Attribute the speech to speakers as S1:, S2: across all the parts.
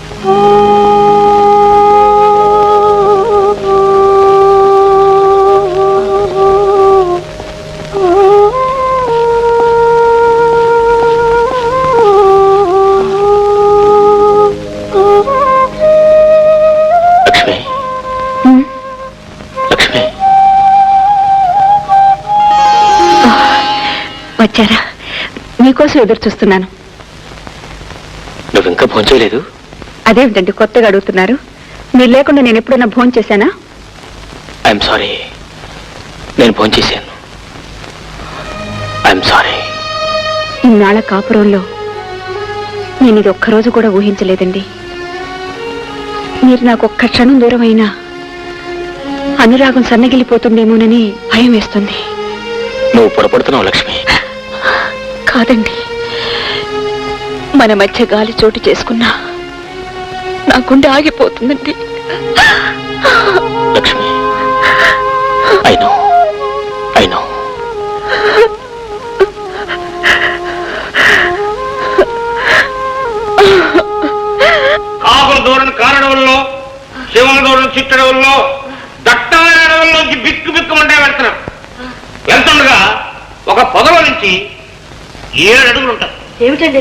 S1: వచ్చారా? మీకోసం ఎదురు చూస్తున్నాను.
S2: నువ్వు ఇంకా భోజనం చేయలేదు?
S1: అదేమిటండి కొత్తగా అడుగుతున్నారు? మీరు లేకుండా నేను ఎప్పుడైనా భోజనం చేశానా?
S2: ఐఎమ్ సారీ, నేను భోజనం చేశాను. I'm sorry.
S1: ఇన్నాళ్ళ కాపురంలో నేను ఇది ఒక్కరోజు కూడా ఊహించలేదండి. మీరు నాకు ఒక్క క్షణం దూరం అయినా అనురాగం సన్నగిలిపోతుందేమోనని భయం వేస్తుంది.
S2: నువ్వు పొరపడుతున్నావు లక్ష్మి.
S1: కాదండి, మన మధ్య గాలి చోటు చేసుకున్నా నా గుండె ఆగిపోతుందండి.
S2: Lakshmi, I know.
S3: కాకుల దూరం కారడవుల్లో, శివుల దూరం చిట్టడవుల్లో, దట్టమైన అడవుల్లోంచి బిక్కు బిక్కుమంటే వెళ్తున్నాం. వెళ్తుండగా ఒక పొదల నుంచి 7 అడుగులు ఉంటాయి.
S1: ఏమిటండి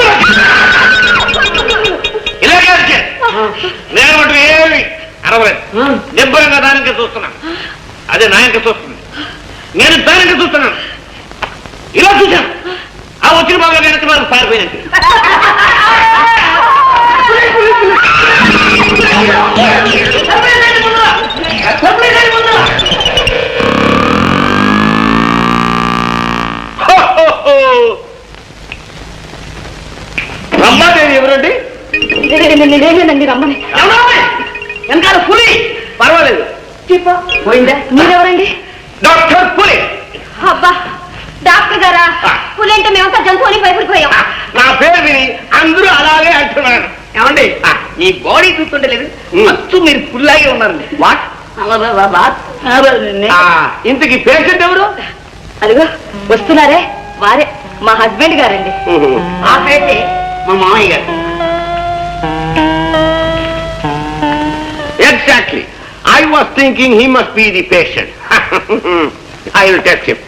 S3: ఇలాగే నేను మటు ఏమి అరవలేదు. నిబ్బరంగా దానికి చూస్తున్నాను. అదే నాయనక చూస్తుంది, నేను దానికి చూస్తున్నాను. ఇలా చూశాను, ఆ వచ్చిన బాగా వెనక్కి బాగా పారిపోయినట్టు. రమ్మాదేవి ఎవరండి?
S1: నేనేనండి రమ్మని.
S3: వెనకాల పులి. పర్వాలేదు,
S1: పోయిందా? మీరెవరండి?
S3: డాక్టర్ పులి.
S1: అబ్బా, డాక్టర్ గారా? పులి అంటే మేమంతా జంతువుని భయపడిపోయాం.
S3: నా పేరు విని అందరూ అలాగే అంటున్నారు. ఏమండి, ఈ బాడీ చూస్తుంటే లేదు, మొత్తం మీరు పుల్లాగే ఉన్నారండి. వాట్? ఇంతకీ పేషెంట్ ఎవరు?
S1: అదిగో వస్తున్నారే, వారే మా హస్బెండ్ గారండి.
S3: ఆ పేషెంట్ మా మామయ్య గారు. Exactly. I was thinking he must be the patient. I will test him.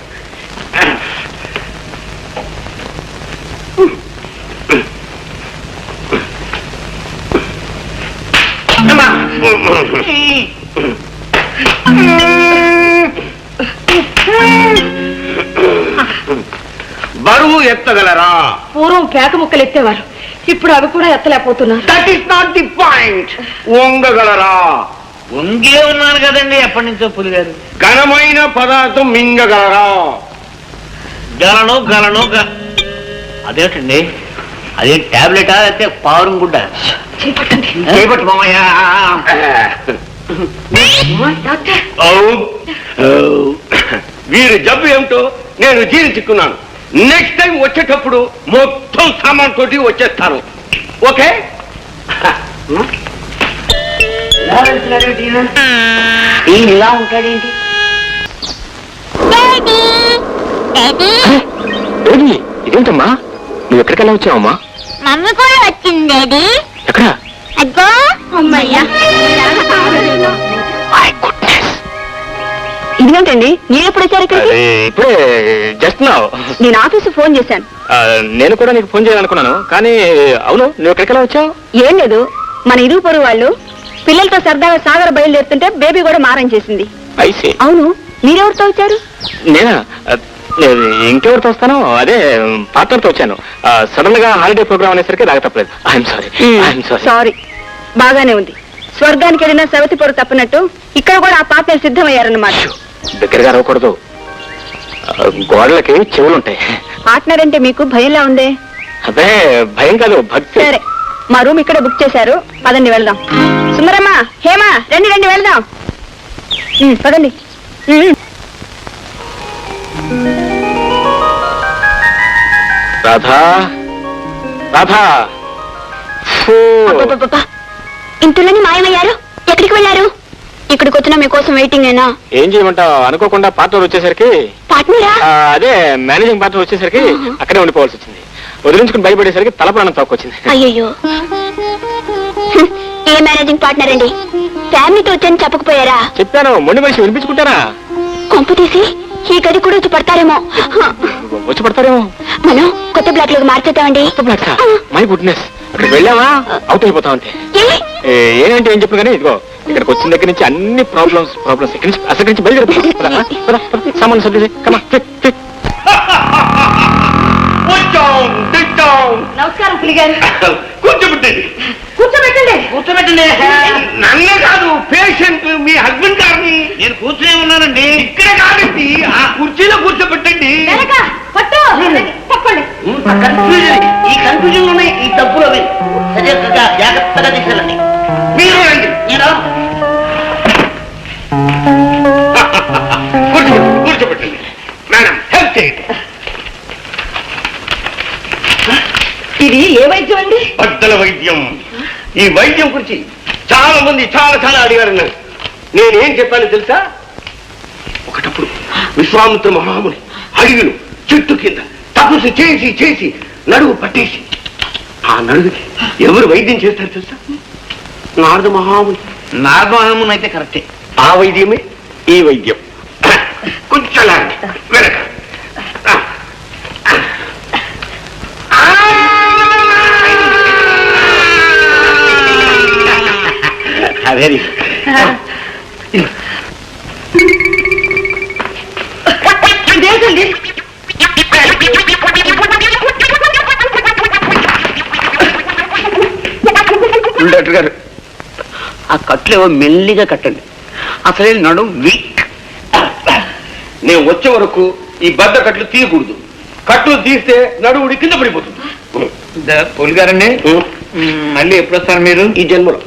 S3: బరువు ఎత్తగలరా?
S1: పూర్వం పేక ముక్కలు ఎత్తేవారు, ఇప్పుడు అవి కూడా ఎత్తలేకపోతున్నారు.
S3: That is not the point. వంగగలరా? వంగే ఉన్నాను కదండి ఎప్పటి నుంచో పులిగారు. ఘనమైన పదార్థం మింగగలరా? గలను. అదేంటండి, అదే టాబ్లెటా లేకపోతే పావురం గుడ్డ? చేపట్టు మామయ్య. వీరి జబ్బు ఏమిటో నేను జీర్ణించుకున్నాను. నెక్స్ట్ టైం వచ్చేటప్పుడు మొత్తం సామాన్ తోటి వచ్చేస్తాను. ఓకే? ఇలా ఉంటాడేంటి?
S2: ఇదేంటమ్మా, నువ్వు ఎక్కడికెళ్ళా వచ్చావమ్మా?
S4: మమ్మీ కూడా వచ్చింది డాడీ.
S2: ఎక్కడ?
S4: అగ్గో అమ్మయ్యా.
S1: ఇదేంటండి, మీరు ఎప్పుడు వచ్చారు ఇక్కడికి?
S2: ఇప్పుడే జస్ట్ నౌ.
S1: నేను ఆఫీసు ఫోన్ చేశాను.
S2: నేను కూడా నీకు ఫోన్ చేయాలనుకున్నాను, కానీ అవును, నువ్వు ఎక్కడికెళ్ళా వచ్చావు?
S1: ఏం లేదు, మన ఇరుగు పొరుగు వాళ్ళు పిల్లలతో సరదాగా సాగర బయలుదేరుతుంటే బేబీ కూడా మారం చేసింది.
S2: ఐసీ.
S1: అవును, మీరెవరితో వచ్చారు?
S2: నేనా? ఇంకెవరితో వస్తాను, అదే పార్ట్నర్తో వచ్చాను. సడన్ గా హాలిడే ప్రోగ్రామ్ అనేసరికి రాక తప్పలేదు. I'm sorry.
S1: సారీ. బాగానే ఉంది. స్వర్గానికి వెళ్ళిన సవతి పొరు తప్పినట్టు ఇక్కడ కూడా ఆ పార్ట్నర్ సిద్ధమయ్యారన్నమాట.
S2: దగ్గరగా రాకూడదు, గోడలకి చెవులుంటాయి.
S1: పార్ట్నర్ అంటే మీకు భయంలా ఉందే?
S2: అదే భయం కాదు, భక్తి.
S1: సరే, మా రూమ్ ఇక్కడ బుక్ చేశారు, పదండి వెళ్దాం. సుందరమ్మ, హేమా, రండి వెళ్దాం. పదండి.
S2: రాధా.
S1: ఇంతలోని మాయమయ్యారు, ఎక్కడికి వెళ్ళారు? ఇక్కడికి వచ్చినా మీకోసం వెయిటింగ్ అయినా.
S2: ఏం చేయమంటావు, అనుకోకుండా పార్ట్నర్ వచ్చేసరికి.
S1: పార్ట్నరా?
S2: అదే మేనేజింగ్ పార్ట్నర్ వచ్చేసరికి అక్కడే ఉండిపోవాల్సి వచ్చింది. వదిలించుకుని భయపడేసరికి తల ప్రాణం తక్కువచ్చింది.
S1: అయ్యో, ఏ మేనేజింగ్ పార్ట్నర్ అండి? ఫ్యామిలీతో వచ్చని చెప్పకపోయారా?
S2: చెప్పాను, మొండి మనిషి వినిపించుకుంటారా?
S1: కొంపు తీసి ఈ గది కూడా వచ్చి పడతారేమో.
S2: వచ్చి పడతారేమో.
S1: మనం కొత్త బ్లాక్ లోకి మార్చేద్దామండి.
S2: మై గుడ్నెస్, అక్కడికి వెళ్ళావా అవుట్ అయిపోతాం అంతే. ఏంటంటే ఏం చెప్పను కానీ ఇదిగో ఇక్కడికి వచ్చిన దగ్గర నుంచి అన్ని ప్రాబ్లమ్స్ అసలు నుంచి బయలుదేరుతాం. సామాన్ సర్ది కమా.
S1: నమస్కారం పులిగారు.
S3: కూర్చోబెట్టండి
S1: కూర్చోబెట్టండి.
S3: కూర్చోబెట్టండి. నన్నే కాదు, పేషెంట్ మీ హస్బెండ్ గారిని. నేను కూర్చునే ఉన్నానండి. ఇక్కడే కాదండి, ఆ కుర్చీలో కూర్చోబెట్టండి. ఈ కన్ఫ్యూజన్ లోనే ఈ తప్పులు అవి సరిగ్గా జాగ్రత్తగా తీసుకెళ్ళండి. మీరు రండి. కూర్చోబెట్టండి మేడం, హెల్ప్ చేయండి.
S1: ఇది ఏ వైద్యం అండి?
S3: బద్దల వైద్యం. ఈ వైద్యం గురించి చాలా మంది చాలా అడిగారు. నేనేం చెప్పాను తెలుసా? ఒకటప్పుడు విశ్వామిత్ర మహాముని అడవిలో చెట్టు కింద తపస్సు చేసి నడువు పట్టేసి ఆ నడువుకి ఎవరు వైద్యం చేస్తారు తెలుసా? నారద మహాముని అయితే కరెక్టే. ఆ వైద్యమే ఈ వైద్యం. కొంచెం వెనక. వెరీ డాక్టర్ గారు, ఆ కట్లు ఏవో మెల్లిగా కట్టండి. అసలే నడు వీక్. నేను వచ్చే వరకు ఈ బద్ద కట్లు తీయకూడదు. కట్లు తీస్తే నడువుడి కింద పడిపోతుంది. పోలి గారండి, మళ్ళీ ఎప్పుడు వస్తారు మీరు? ఈ జన్మలో.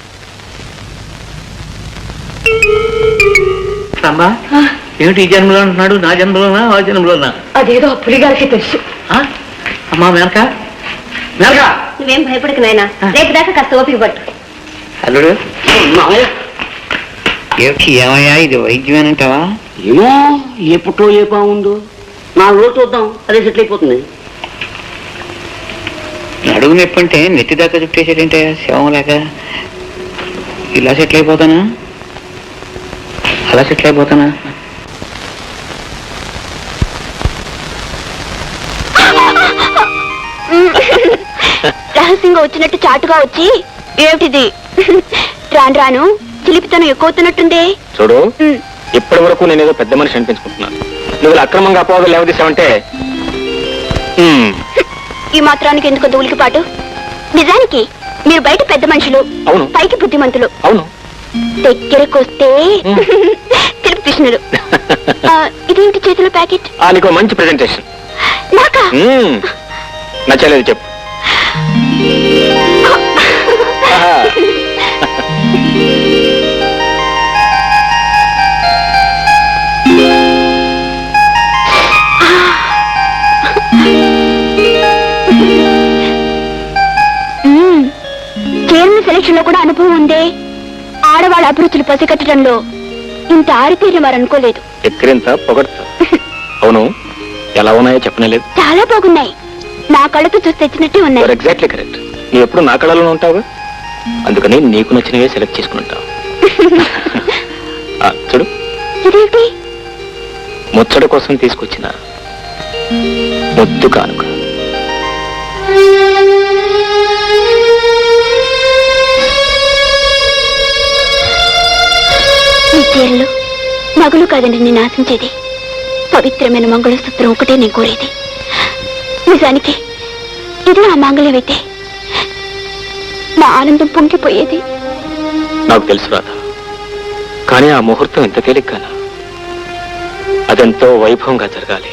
S3: అమ్మా, ఏమిటి ఈ జన్మలో అంటున్నాడు? నా జన్మలోనా ఆ జన్మలోనా?
S1: అదేదో పులిగారికి తెలుసు.
S3: అమ్మా మేనక,
S1: నువ్వేం భయపడకు నాయనా, రేపు దాకా కాస్త ఓపిక పట్టు.
S3: అల్లుడు, ఏమయ్యా ఇది వైద్యమేనంటావా? ఏమో, ఏ పుట్లో ఏ బాగుందో. 4 రోజులు చూద్దాం, అదే సెటిల్ అయిపోతుంది. నడుగు నొప్పి అంటే నెత్తి దాకా చుట్టేసేటంటే శవం లేక ఇలా సెటిల్ అయిపోతానా, అలా సెటిల్ అయిపోతానా?
S1: రహస్యంగా వచ్చినట్టు చాటుగా వచ్చి ఏమిటిది? రాను చిలిపితనం ఎక్కువవుతున్నట్టుందే.
S2: చూడు, ఇప్పటి వరకు నేనేదో పెద్ద మనిషి అనిపించుకుంటున్నాను. నువ్వు అక్రమంగా అపోహలు లేవదీసావంటే
S1: ఈ మాత్రానికి ఎందుకు ఉలికిపాటు? నిజానికి మీరు బయట పెద్ద మనుషులు,
S2: అవును,
S1: పైకి బుద్ధిమంతులు.
S2: అవును,
S1: దగ్గరకు వస్తే తెలుపు కృష్ణుడు. ఇదేంటి చేతిలో ప్యాకెట్?
S2: నీకు మంచి ప్రెజెంటేషన్.
S1: నాకా?
S2: నచ్చలేదు చెప్పు.
S1: చైర్మన్ సెలక్షన్ లో కూడా అనుభవం ఉందే. ఆడవాళ్ళ అభిరుచులు పసిగట్టడంలో ఇంత ఆరితేరి వారు అనుకోలేదు.
S2: ఎక్కడింత పొగడతా. అవును, ఎలా ఉన్నాయో చెప్పనలేదు.
S1: చాలా బాగున్నాయి. నా కళ్ళతో చూసి తెచ్చినట్టే ఉన్నాయి.
S2: Exactly correct. నువ్వు ఎప్పుడు నా కళలోనే ఉంటావు, అందుకని నీకు నచ్చినవే సెలెక్ట్ చేసుకుని ఉంటావు. చూడు,
S1: ఇదేంటి?
S2: ముచ్చట కోసం తీసుకొచ్చిన ముద్దు కానుక.
S1: ఈ చీరలు నగులు కాదండి నేను ఆశించేది. పవిత్రమైన మంగళసూత్రం ఒకటే నేను కోరేది. నిజానికి ఇది నా మాంగళ్యం అయితే నా ఆనందం పొంగిపోయేది.
S2: నాకు తెలుసు రాధ, కానీ ఆ ముహూర్తం ఎంత తేలిగ్గానా? అదెంతో వైభవంగా జరగాలి.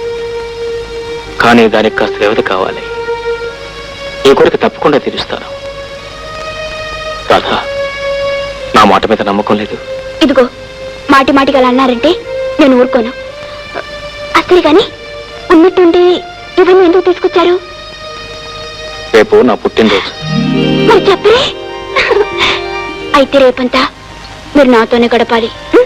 S2: కానీ దానికి కాస్త వ్యవధి కావాలి. ఈ కోరిక తప్పకుండా తీరుస్తాను. రాధ, నా మాట మీద నమ్మకం లేదు.
S1: ఇదిగో, మాటి మాటిగా అలా అన్నారంటే నేను ఊరుకోను. అసలు గాని ఉన్నట్టుండి ఇవన్నీ ఎందుకు తీసుకొచ్చారు?
S2: రేపు నా పుట్టినరోజు.
S1: మరి చెప్పరే. అయితే రేపంతా మీరు నాతోనే గడపాలి.